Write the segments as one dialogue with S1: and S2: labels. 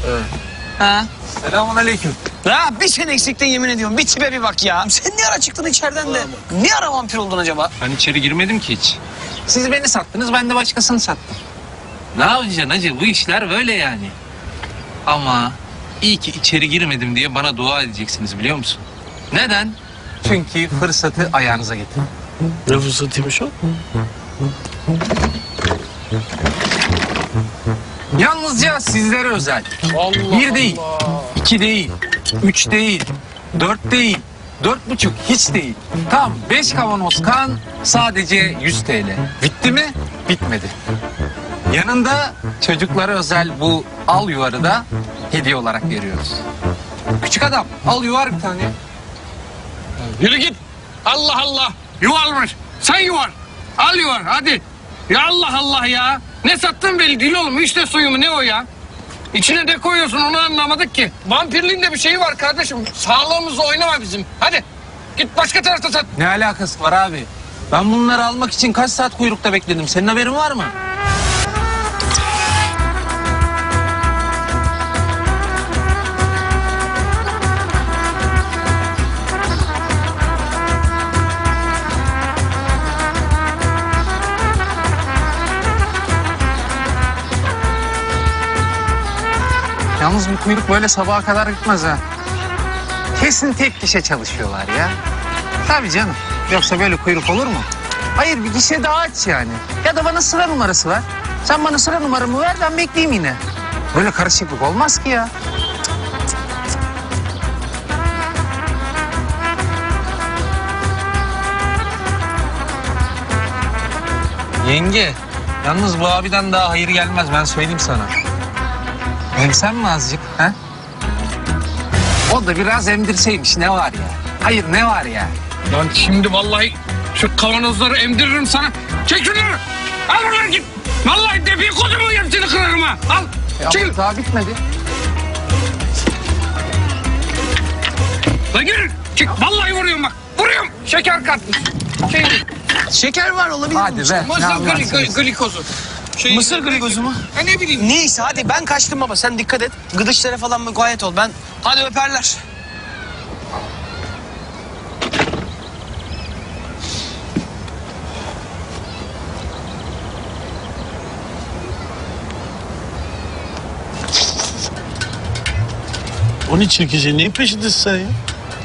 S1: Ha?
S2: Selamünaleyküm.
S1: Ha, bir sen eksiktin yemin ediyorum. Bir tipe bir bak ya. Sen ne ara çıktın içeriden de? Ne ara vampir oldun acaba?
S2: Ben içeri girmedim ki hiç. Siz beni sattınız, ben de başkasını sattım. Ne yapacaksın hacı? Bu işler böyle yani. Ama iyi ki içeri girmedim diye bana dua edeceksiniz biliyor musun? Neden? Çünkü fırsatı ayağınıza getirdim.
S3: Ne fırsatıymış o?
S2: Yalnızca sizlere özel.
S3: Allah
S2: Bir değil, iki değil, üç değil, dört değil, 4,5 hiç değil. Tam 5 kavanoz kan sadece 100 TL. Bitti mi? Bitmedi. Yanında çocuklara özel bu al yuvarı da hediye olarak veriyoruz. Küçük adam al yuvar bir tane.
S3: Yürü git. Allah Allah. Yuvarmış. Sen yuvar. Al yuvar hadi. Ya Allah Allah ya. Ne sattın belli değil oğlum. İşte suyu mu ne o ya? İçine ne koyuyorsun onu anlamadık ki. Vampirliğin de bir şeyi var kardeşim. Sağlığımızla oynama bizim. Hadi git başka tarafta sat.
S2: Ne alakası var abi? Ben bunları almak için kaç saat kuyrukta bekledim. Senin haberin var mı? Yalnız bu kuyruk böyle sabaha kadar gitmez ha. Kesin tek gişe çalışıyorlar ya. Tabii canım. Yoksa böyle kuyruk olur mu? Hayır bir gişe daha aç yani. Ya da bana sıra numarası ver. Sen bana sıra numaramı ver ben bekleyeyim yine. Böyle karışıklık olmaz ki ya. Yenge, yalnız bu abiden daha hayır gelmez ben söyleyeyim sana. Emsen mi azıcık? Ha? O da biraz emdirseymiş ne var ya? Hayır ne var ya?
S3: Lan şimdi vallahi şu kavanozları emdiririm sana. Çek şunu. Al buradan git. Vallahi depiyi kodumu hepsini kırarım ha. Al. Çekil.
S2: Ama daha bitmedi.
S3: Lan yürü. Çık. Vallahi vuruyorum bak. Vuruyorum. Şeker katmış.
S1: Şeker var olabilir.
S2: Hadi be.
S3: Mısır
S2: ne anlarsınız?
S3: glikozu.
S1: Mısır glikozu mu?
S3: Ha ne bileyim.
S1: Neyse hadi ben kaçtım baba. Sen dikkat et. Gıdışlara falan mukayyet ol. Ben hadi öperler.
S3: Onun çirkeci neyin peşindesin sen ya?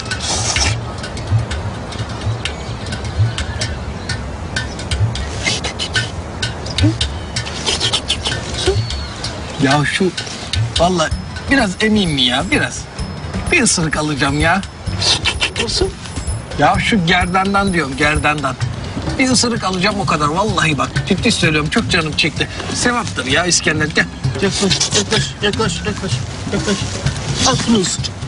S3: Ya şu vallahi biraz emeyim mi ya biraz? Bir ısırık alacağım ya. Nasıl? Ya şu gerdandan diyorum gerdandan. Bir ısırık alacağım o kadar vallahi bak ciddi söylüyorum çok canım çekti. Sevaptır ya İskender gel.
S4: Yaklaş. Al şunu ısır.